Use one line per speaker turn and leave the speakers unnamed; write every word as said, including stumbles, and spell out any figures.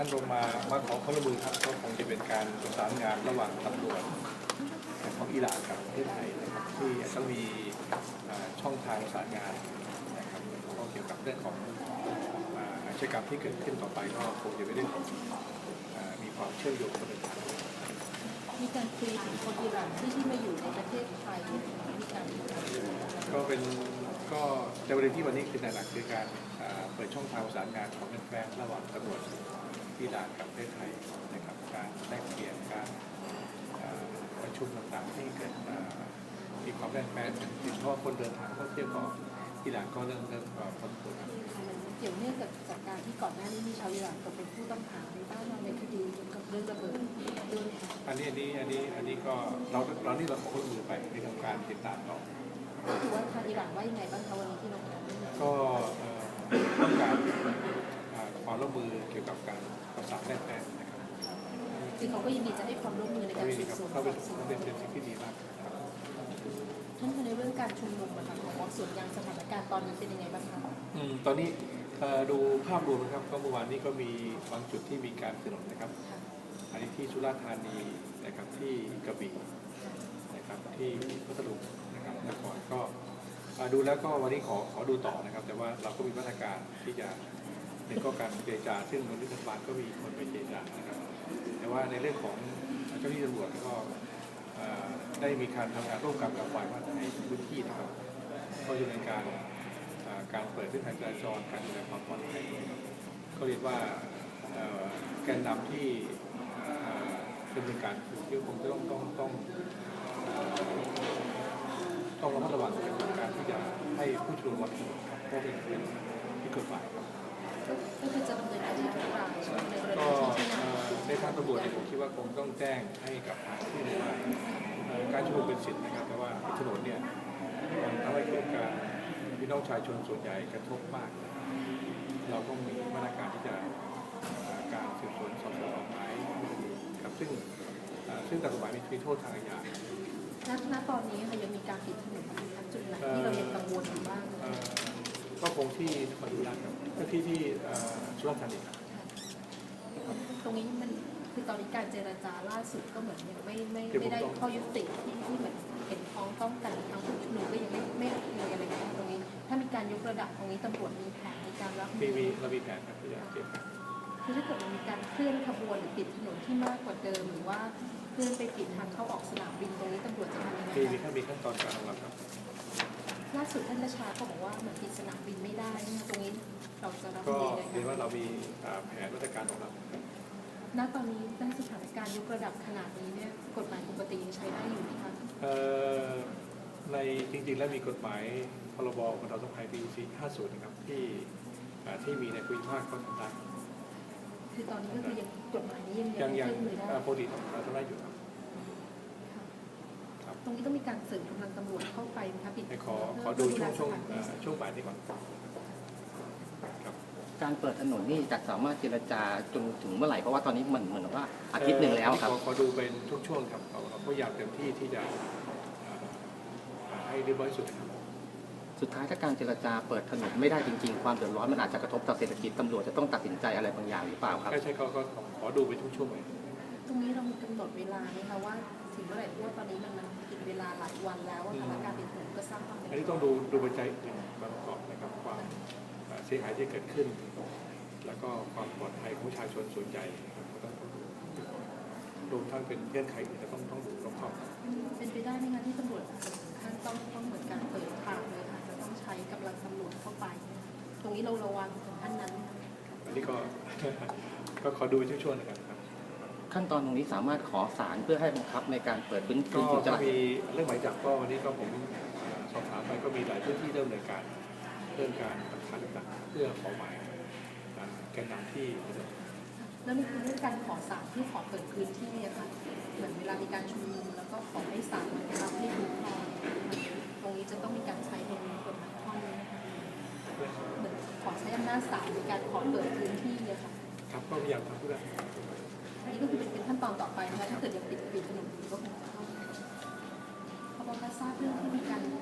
ท่านลงมามาขอความร่วมมือครับก็คงจะเป็นการประสานงานระหว่างตำรวจของอิหร่านกับประเทศไทยนะครับที่ต้องมีช่องทางประสานงานนะครับก็เกี่ยวกับเรื่องของอาชญากรรมที่เกิดขึ้นต่อไปก็คงจะเป็นเรื่องของมีความเชื่อมโยงกันเป็น
มีการคุยถึงคนอิหร่านที่ที่มาอยู่ในประเทศไทยมีการ
ก็เป็นก็ในประเด็นที่วันนี้คือในหลักคือการเปิดช่องทางประสานงานของแฟนระหว่างตำรวจอิหร่านกับประเทศไทยนะครับการแลกเปลี่ยนการประชุมต่างๆที่เกิดมีความแน่นแฟ้นโดยเฉพาะคนเดินทางท่องเที่ยวก็อิหร่านก็เริ่มเริ่มพ้นตัว
เกี่ยวเนื่องกับจากการที่ก่อนหน้านี้มีชาวอิหร่านตกเป็นผู้ต้องหาในบ้านเราในคดีเกี่ยวกับเรื่องระเบิดด้วย
อันนี้อันนี้อันนี้อันนี้ก็เราเรานี่เราขอความร่วมมือไปในทางการติดตามต่อ
คือว่าทางอิหร่านว่ายังไงบ้างคะวันนี้ที่เรา
ก็ต้องการความร่วมมือเกี่ยวกับการประสานแลกเปลี่ยนนะครับ
คือเขาก็ยินดีจะให้ความร่วมมือในการสืบสวน
เขาเป็นเป็นเป็นสิ่งที่ดีมาก
ท่านในเรื่องการชุมนุมนะคะของส่วนยังสถานการณ์ตอนนี้เป็นยังไงบ้างคะ
อืมตอนนี้ดูภาพรวมนะครับก็เมื่อวานนี้ก็มีบางจุดที่มีการสนุนนะครับอันนี้ที่สุราษฎร์ธานีนะครับที่กระบี่นะครับที่พัทลุงนะครับนครก็ดูแล้วก็วันนี้ขอขอดูต่อนะครับแต่ว่าเราก็มีมาตรการที่จะหนึ่งก็การเจรจาซึ่งมนุษยบาลก็มีคนไปเจรจานะครับแต่ว่าในเรื่องของเจ้าหน้าที่ตำรวจก็ได้มีการทำงานร่วมกันกับฝ่ายว่าในพื้นที่นะครับก็จะเป็นการการเปิดเส้นทางจราจรการดูแลความปลอดภัยก็เรียกว่าแกนนำที่เป็นการที่คงจะต้องต้องต้องต้องระมัดระวังในการที่จะให้ผู้ชุมนุมวันนี้เพราะเป็นเป็นที่เกิดฝ่ายครับ
ก็คือจะดำเนินคดีทุกรายในกรณีที่
ในทางตำรวจผมคิดว่าคงต้องแจ้งให้กับทางที่ได้ว่าการชุมนุมเป็นสิทธิ์นะครับแต่ว่าถนนเนี่ยมันทำให้เกิดการพี่น้องชายชนส่วนใหญ่กระทบมากเราต้องมีมาตรการที่จะการสืบสวนสอบสวนออกหมายครับซึ่งซึ่งตามกฎหมายมีโทษทางอาญา
ณตอนนี้ค่ะยังมีการปิดถนนทางจุดไหนที่เรายังกังวลอยู่บ้าง
ก็คงที่นครศรีธรรมราชครับที่ที่สุราษฎร์ธานี
ตรงนี้มันคือตอนนี้การเจรจาล่าสุดก็เหมือนยังไม่ไม่ไม่ได้ข้อยุติที่ที่เหมือนเห็นพ้องต้องกันทางผู้ชุมนุมก็ยังไม่ไม่มีอะไรตรงนี้ถ้ามีการยกระดับตรงนี้ตำรวจมีแผนในการรับ
มือมีเรามีแผนครับที่จะเตรียมการ
คือถ้าเกิดมันมีการเคลื่อนขบวนหรือปิดถนนที่มากกว่าเดิมหรือว่าเคลื่อนไปปิดทางเข้าออกสนามบินตรงนี้ตำรวจจะทำยังไง
มีมีขั้นมีขั้นตอนการของเราครับ
ล่าสุดท่านประชาก็บอกว่าเหมือนปิดสนามบินไม่ได้ตรงนี้เราจะรับ
มือยังไงก็เรียนว่าเรามีแผนมาตรการของเรา
ณตอนนี้ในสถานการณ์ยกระดับขนาดนี้เนี่ยกฎหมายปกติยังใช้ได้อยู่ไหมคะ
ในจริงๆแล้วมีกฎหมายพรบบรรเทาสาธารณภัยปีสี่ห้าศูนย์นะครับที่ที่มีในภูมิภาคก็ทำได้
คือตอนนี้ก็คือยังกฎหมายนี้ยัง
ยังยังปกติทำได้อยู่ครับ
ตรงนี้ต้องมีการเสริมกำลังตำรวจเข้าไปไหมคะปิด
ขอขอดูช่วงช่วงช่วงบ่ายนี้ก่อน
การเปิดถนนนี่จะสามารถเจรจาจนถึงเมื่อไหร่เพราะว่าตอนนี้เหมือนเหมือนว่าอาทิตย์หนึ่งแล้วครับ
ขอดูเป็นทุกช่วงครับเราพยายามเต็มที่ที่จะให้เรียบร้อยสุดครับ
สุดท้ายถ้าการเจรจาเปิดถนนไม่ได้จริงๆความเดือดร้อนมันอาจจะกระทบต่อเศรษฐกิจตำรวจจะต้องตัดสินใจอะไรบางอย่างหรือเปล่าครับ
ใช่ใช่ก็ขอดูไปทุกช่วงเลย
ตรงนี้เรามีกำหนดเวลาไหมคะว่าถึงเมื่อไหร่เพราะว่าตอนนี้มันมันกินเวลาหลายวันแล้วว่าการปิดถนนก็สร้างความ
อันนี้ต้องดูดูปัจจัยอย่างประกอบนะครับความเสียหายที่เกิดขึ้นแล้วก็ความปลอดภัยของประชาชนส่วนใหญ่ต้องรวมทั้งเป็นเงื่อนไขที่จะต้องต้องดูรอบคอบ
เป็นไปได้ไหมคะที่ตำรวจขั้นต้องต้องเหมือนการเปิดทางเลยค่ะจะต้องใช้กำลังตำรวจเข้าไปตรงนี้เราระวังถึงขั้นนั้น
อันนี้ก็ก็ขอดูช่วงๆนะครับ
ขั้นตอนตรงนี้สามารถขอศาลเพื่อให้บังคับในการเปิดพื้นที่
ก็มีเรื่องหมายจับก็วันนี้ก็ผมสอบถามไปก็มีหลายพื้นที่เริ่มดำเนินการเรื่องการหลักฐานต่างๆเพื่อขอหมายแกนนำที่
แล้วนี่คือเรื่องการขอศาลที่ขอเปิดพื้นที่นะคะเหมือนเวลามีการชุมนุมแล้วก็ขอให้ศาลรับให้คุ้มครองตรงนี้จะต้องมีการใช้ในกฎหมายข้อนี้นะคะเหมือนขอใช้อำนาจศาลในการขอเปิดพื้นที่เลยค่ะ
ครับก็พยายามทำเพื่อ
อันนี้ก็คือเป็นขั้นตอนต่อไปนะคะถ้าเกิดยังปิดปิดถนนอยู่ก็คงจะเข้าเพราะว่าทราบเรื่องที่มีการ